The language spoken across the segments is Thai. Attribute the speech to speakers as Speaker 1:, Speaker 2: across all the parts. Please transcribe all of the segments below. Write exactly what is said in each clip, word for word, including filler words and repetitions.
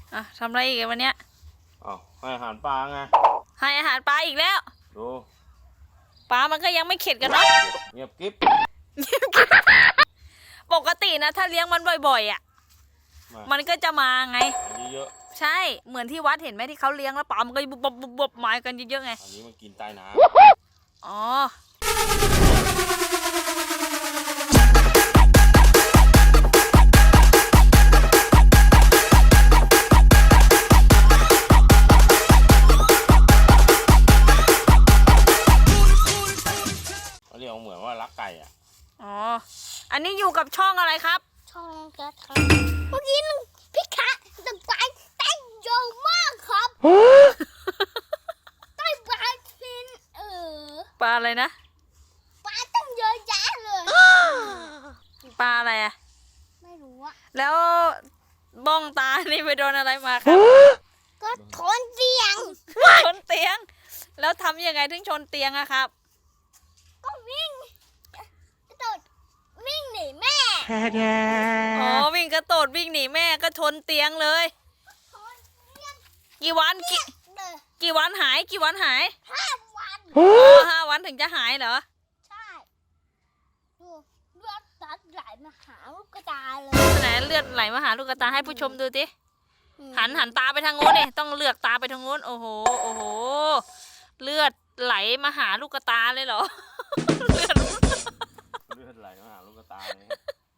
Speaker 1: อ่ะทำอะไรอีกวันเนี้ย
Speaker 2: อ๋อให้อาหารปลาไง
Speaker 1: ให้อาหารปลาอีกแล้ว
Speaker 2: ดู
Speaker 1: ปลามันก็ยังไม่เข็ดกันเนาะ
Speaker 2: เงียบกิ๊บ
Speaker 1: ปกตินะถ้าเลี้ยงมันบ่อยๆอ่ะมันก็จะมาไง
Speaker 2: เยอะ
Speaker 1: ใช่เหมือนที่วัดเห็นไหมที่เขาเลี้ยงแล้วปลามันก็บุบบุบบุบมากันเยอะๆไง
Speaker 2: อันนี้มันกินใต้น้
Speaker 1: ำอ๋อ
Speaker 2: เขาเรียกเหมือนว่ารักไก่อ่ะ
Speaker 1: อ๋ออันนี้อยู่กับช่องอะไรครับ
Speaker 3: ช่องกระทะเมื่อกี้พี่คะตะไคร้เต้นเยอะมากครับใต้ปลาฟินเออ
Speaker 1: ปลาอะไรนะ
Speaker 3: ปลาตั้งเยอะแยะเลย
Speaker 1: ปลาอะไรอ่ะ
Speaker 3: ไม่รู้อะ
Speaker 1: แล้วบ้องตานี่ไปโดนอะไรมาครับ
Speaker 3: ก็ชนเตียง
Speaker 1: ชนเตียงแล้วทำยังไงถึงชนเตียงอะครับ
Speaker 3: ก็วิ่งกระโดดวิ่งหนีแม่
Speaker 1: อ๋อวิ่งกระโดดวิ่งหนีแม่ก็ชนเตียงเลยกี่วันกี่กี่วันหายกี่วันหาย
Speaker 3: ห้าวัน
Speaker 1: อ๋อห้าวันถึงจะหายเหรอ
Speaker 3: ใช่ดูเลือดตัดไหลมาหาลูกกระตาเลย
Speaker 1: ไหนเลือดไหลมาหาลูกกระตาให้ผู้ชมดูสิหันหันตาไปทางโน้นนี่ต้องเลือกตาไปทางโน้นโอ้โหโอ้โหเลือดไหลมาหาลูกกระตาเลยเหรอเลือด
Speaker 2: เลือดไหลมาหาลูกกระตาเลย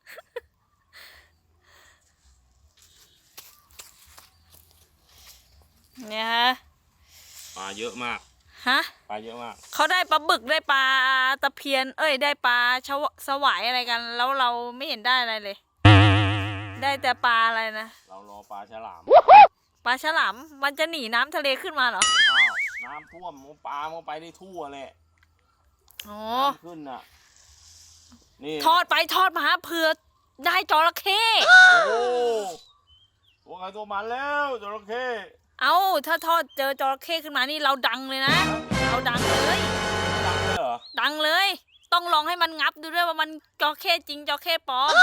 Speaker 1: เนี่ยฮะ
Speaker 2: ปลาเยอะมาก
Speaker 1: ฮะ
Speaker 2: ปลาเยอะมาก
Speaker 1: เขาได้ปลาบึกได้ปลาตะเพียนเอ้ยได้ปลาชวสวายอะไรกันแล้วเราไม่เห็นได้อะไรเลยได้แต่ปลาอะไรนะ
Speaker 2: เรารอปลาฉลาม
Speaker 1: ปลาฉลามมันจะหนีน้ำทะเลขึ้นมาเหรอ
Speaker 2: อ้าวน้ำท่วมปลามันไปได้ทั่วเลย
Speaker 1: อ๋อ
Speaker 2: ขึ้นอ่ะนี่
Speaker 1: ทอดไปทอดมาเผื่อได้จระเข้
Speaker 2: โอ้ตัวใครตัวมันแล้วจระเข้
Speaker 1: เอาถ้าทอดเจอจระเข้ขึ้นมานี่เราดังเลยนะเราดังเลย
Speaker 2: ดังเลยเหรอ
Speaker 1: ดังเลยต้องลองให้มันงับดูด้วยว่ามันจระเข้จริงจระเข้ปลอม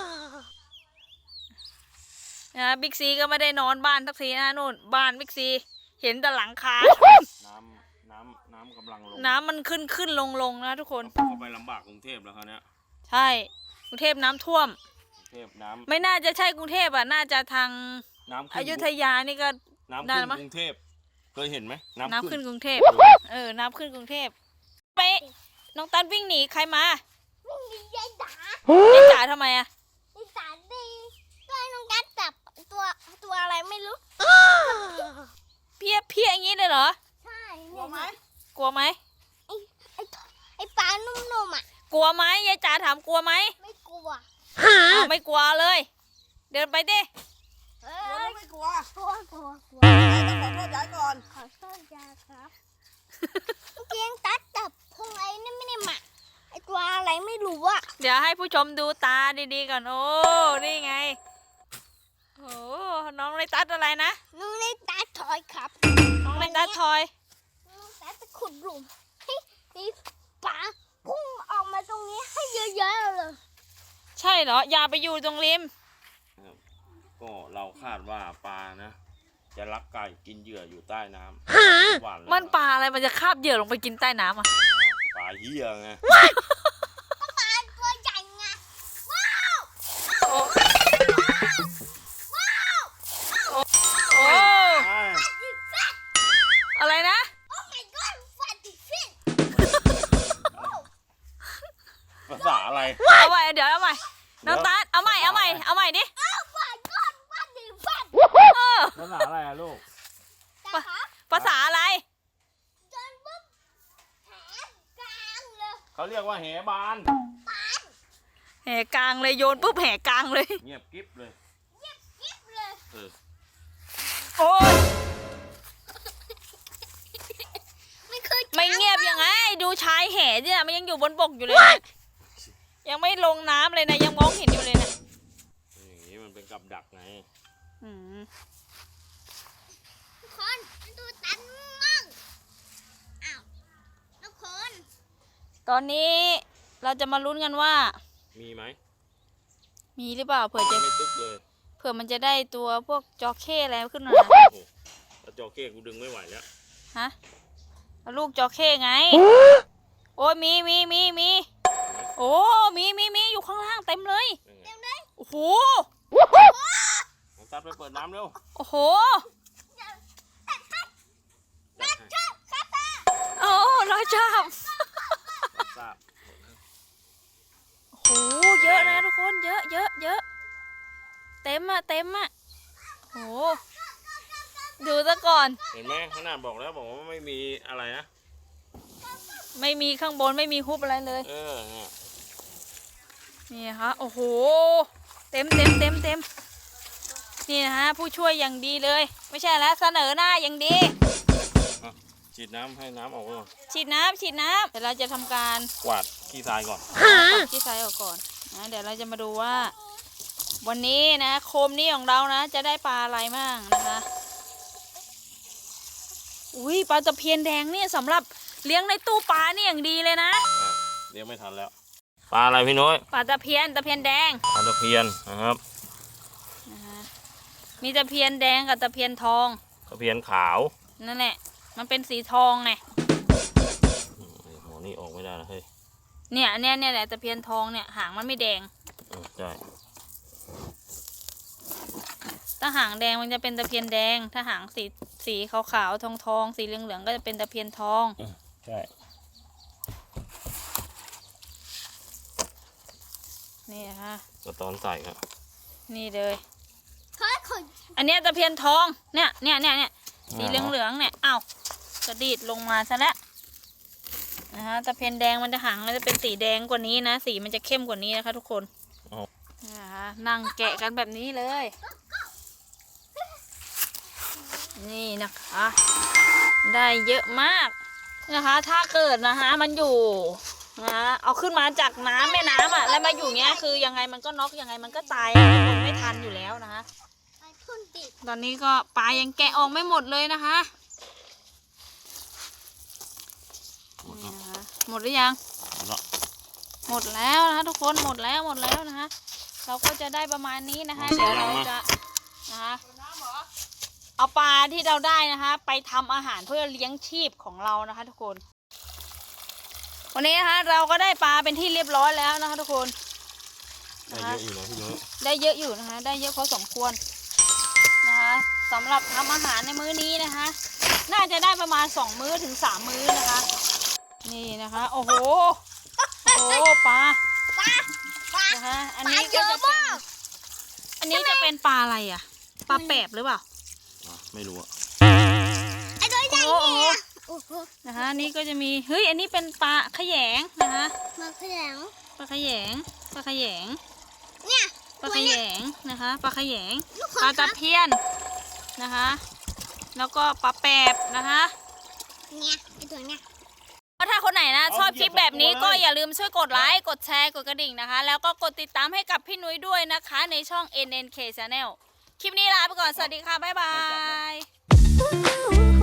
Speaker 1: นะบิ๊กซีก็ไม่ได้นอนบ้านทักทีนะนู่นบ้านบิ๊กซีเห็นแต่หลังคา
Speaker 2: น้ำน้ำน้ำกำลังลง
Speaker 1: น้ำมันขึ้นขึ้นลงลงนะทุกคน
Speaker 2: เข้าไปลำบากกรุงเทพแล้วเขาเนี้ย
Speaker 1: ใช่กรุงเทพน้ำท่วม
Speaker 2: กรุงเทพน้ำ
Speaker 1: ไม่น่าจะใช่กรุงเทพอ่ะน่าจะทางอยุธยานี่ก็
Speaker 2: น้ำขึ้นกรุงเทพเคยเห็นไหม
Speaker 1: น้ำขึ้นกรุงเทพเออน้ำขึ้นกรุงเทพไปน้องตันวิ่งหนีใครมา
Speaker 3: วิ่งหนียายจ๋
Speaker 1: ายายจ๋าทำไมอะ
Speaker 3: ยายจ๋าดีก็น้องตันจับตัวตัวอะไรไม่รู้
Speaker 1: เพี้ยเพี้ยอย่างนี้เลยเหรอ
Speaker 3: ใช่
Speaker 1: กลัวไหมกลัวไหม
Speaker 3: ไอ้ไอ้ไอ้ปลานุ่มๆอ่ะ
Speaker 1: กลัวไหมยายจ๋าถามกลัวไหม
Speaker 3: ไม่กลัว
Speaker 1: ไม่กลัวเลยเดินไปดิ
Speaker 3: เออไม่กลัวกลัวกลัวกลัว
Speaker 4: ต้องขอโทษยายก่อน
Speaker 3: ขอโทษยายครับเมื่อกี้ตัดจับพงไอ้นี่ไม่ได้หมักไอ้ตัวอะไรไม่รู้อ่ะ
Speaker 1: เดี๋ยวให้ผู้ชมดูตาดีๆก่อนโอ้นี่ไงโอ้น้องในตัดอะไรนะ
Speaker 3: น้องในตัดทอยครับ
Speaker 1: น้องในตัดทอย
Speaker 3: น้องตัดจะขุดหลุมให้มีปลาพุ่งออกมาตรงนี้ให้เยอะๆเลย
Speaker 1: ใช่เหรออย่าไปอยู่ตรงริม
Speaker 2: ก็เราคาดว่าปลานะจะรักไก่กินเหยื่ออยู่ใต้น้
Speaker 1: ำมันปลาอะไรมันจะคาบเหยื่อลงไปกินใต้น้ำอ่ะ
Speaker 2: ปลาเหี้ยไง
Speaker 3: ปลาตัวใหญ่ไงว้าวว้าว
Speaker 1: โอ้อะไรนะ
Speaker 3: โอ้ my god ฟันดิฟิน
Speaker 2: ภาษาอะไร
Speaker 1: เอาใหม่เดี๋ยวเอาใหม่น้องตาเอาใหม่เอาใหม่เอาใหม่ดิ
Speaker 2: ภาษาอะไรอะลูก
Speaker 1: ภาษาอะไร
Speaker 3: จนปุ๊บแหกลางเลย
Speaker 2: เขาเรียกว่าแหบาน
Speaker 1: แหกลางเลยโยนปุ๊บแหกลางเลย
Speaker 2: เงียบกิ๊บเลย
Speaker 3: เงียบกิ๊บเลย
Speaker 2: เออ
Speaker 1: โอ้ย
Speaker 3: ไม่เคย
Speaker 1: ไม่เงียบยังไงดูชายแห่เนี่ยมันยังอยู่บนบกอยู่เลยยังไม่ลงน้ำเลยนะยังมองเห็นอยู่เลยนะ
Speaker 2: อย่างนี้มันเป็นกับดักไง
Speaker 1: อืม
Speaker 3: ทุกคนดูตันมั่งอ้าวทุกคน
Speaker 1: ตอนนี้เราจะมาลุ้นกันว่า
Speaker 2: มีไหม
Speaker 1: มีหรือเปล่าเผื่อจะ
Speaker 2: ไม่ตึกเลย
Speaker 1: เผื่อผื่อมันจะได้ตัวพวกจอเข้อะไรขึ้นมา
Speaker 2: โอ้โหแล้วจอเข้กูดึงไม่ไหวแล้ว
Speaker 1: ฮะเอาลูกจอเข้ไง โอ้ยมีมีมีมีโอ้มีมีมีอยู่ข้างล่างเต็มเลย
Speaker 2: ยังไง
Speaker 1: โอ้โห
Speaker 2: น้องตัดไปเปิดน้ำเร็ว
Speaker 1: โอ้โห
Speaker 2: จัดให้
Speaker 1: โอ้ร้อยจับ
Speaker 2: รับทราบ
Speaker 1: โอ้โหเยอะนะทุกคนเยอะเยอะเยอะเต็มอะเต็มอะโอ้โหดูซะก่อน
Speaker 2: เห็นไหมขนาดบอกแล้วบอกว่าไม่มีอะไรนะ
Speaker 1: ไม่มีข้างบนไม่มีฮุบอะไรเลย
Speaker 2: เออเนี่ย
Speaker 1: นี่นะคะโอ้โหเต็มเต็มเต็มเต็มนี่นะคะผู้ช่วยอย่างดีเลย ไม่ใช่แล้วเสนอหน้าอย่างดี
Speaker 2: อ่ะฉีดน้ำให้น้ำออกก่อน
Speaker 1: ฉีดน้ำฉีดน้ำเดี๋ยวเราจะทำการ
Speaker 2: กวาดขี้ทรายก่อน
Speaker 1: ปัดที่ไซส์ออกก่อนนะเดี๋ยวเราจะมาดูว่า วันนี้นะโคมนี้ของเรานะจะได้ปลาอะไรบ้างนะคะอุ้ยปลาตะเพียนแดงเนี่ยสำหรับเลี้ยงในตู้ปลานี่อย่างดีเลยนะ
Speaker 2: อ่ะเลี้ยงไม่ทันแล้ว ปลาอะไรพี่น้อย
Speaker 1: ปลาตะเพียนตะเพียนแดง
Speaker 2: ปลาตะเพียนนะครับ
Speaker 1: นะคะมีตะเพียนแดงกับตะเพียนทอง
Speaker 2: ตะเพียนขาว
Speaker 1: นั่นแหละมันเป็นสีทองไง
Speaker 2: อืมหัวนี่ออกไม่ได้นะเฮ้ย
Speaker 1: เนี่ยเนี่ยเนี่ยแหละตะเพียนทองเนี่ยหางมันไม่แดง
Speaker 2: อืมใช่
Speaker 1: ถ้าหางแดงมันจะเป็นตะเพียนแดง ถ้าหางสีสีขาวๆทองทองๆสีเหลืองๆก็จะเป็นตะเพียนทอง
Speaker 2: อืมใช่
Speaker 1: นี่นะคะ
Speaker 2: ก็ตอนใส่ครับ
Speaker 1: นี่เลย
Speaker 3: เฮ้ยขน
Speaker 1: อันเนี้ยตะเพียนทอง เนี่ยเนี่ยเนี่ยเนี่ยสีเหลืองเหลืองๆเนี่ย อ้าวกระดีดลงมาซะแล้วนะคะตะเพียนแดงมันจะหางมันจะเป็นสีแดงกว่านี้นะ สีมันจะเข้มกว่านี้นะคะทุกคนนะคะนั่งแกะกันแบบนี้เลย นี่นะคะ ได้เยอะมากนะคะ ถ้าเกิดนะคะมันอยู่นะเอาขึ้นมาจากน้ำแม่น้ำอ่ะแล้วมาอยู่เงี้ยคือยังไงมันก็น็อกยังไงมันก็ตายคนไม่ทันอยู่แล้วนะคะ
Speaker 3: ไปทุ่นติด
Speaker 1: ตอนนี้ก็ปลายังแกะออกไม่หมดเลยนะคะ
Speaker 2: หมด
Speaker 1: นี่
Speaker 2: แล้ว
Speaker 1: นะคะหมดหรือยัง
Speaker 2: หมดแล้ว
Speaker 1: หมดแล้วนะคะทุกคนหมดแล้วหมดแล้วนะคะ เราก็จะได้ประมาณนี้นะคะ เดี๋ยวเราจะนะคะเอาปลาที่เราได้นะคะ ไปทำอาหารเพื่อเลี้ยงชีพของเรานะคะ ทุกคน วันนี้นะคะเราก็ได้ปลาเป็นที่เรียบร้อยแล้วนะคะ ทุกคน
Speaker 2: ได้เยอะอยู่นะพี่น้อย
Speaker 1: ได้เยอะอยู่นะคะ ได้เยอะพอสมควรนะคะสำหรับทำอาหารในมื้อนี้นะคะ น่าจะได้ประมาณสองมื้อถึงสามมื้อนะคะ นี่นะคะ โอ้โหโอ้โหปลา
Speaker 3: ปลาปลา
Speaker 1: นะคะอัน
Speaker 3: ปลา
Speaker 1: นี้
Speaker 3: เย
Speaker 1: ก็
Speaker 3: อะ
Speaker 1: จะเป็น
Speaker 3: มาก
Speaker 1: อันนี้จะเป็นปลาอะไรอ่ะปลาแปบหรือเปล่า
Speaker 2: อ่ะไม่รู้อะ
Speaker 3: ไอ้ตัวใหญ่
Speaker 1: โอ้โห
Speaker 3: เนี่ยโอ้โห
Speaker 1: นะคะอันนี้ก็จะมีเฮ้ยอันนี้เป็นปลาขยงนะคะ
Speaker 3: มาแข็ง
Speaker 1: ปลาขยงปลาขยง
Speaker 3: เนี่ย
Speaker 1: ปลาขยงนะคะปลาขยง
Speaker 3: ลูก
Speaker 1: ปลาตะเพียนนะคะ แล้วก็ปลาแปบนะคะ
Speaker 3: เนี่ยไอ้ตัวเนี่ย
Speaker 1: ถ้าคนไหนนะชอบคลิปแบบนี้ก็อย่าลืมช่วยกดไลค์กดแชร์กดกระดิ่งนะคะ แล้วก็กดติดตามให้กับพี่นุ้ยด้วยนะคะ ในช่อง เอ็น เอ็น เค Channel คลิปนี้ลาไปก่อนสวัสดีค่ะบ๊ายบาย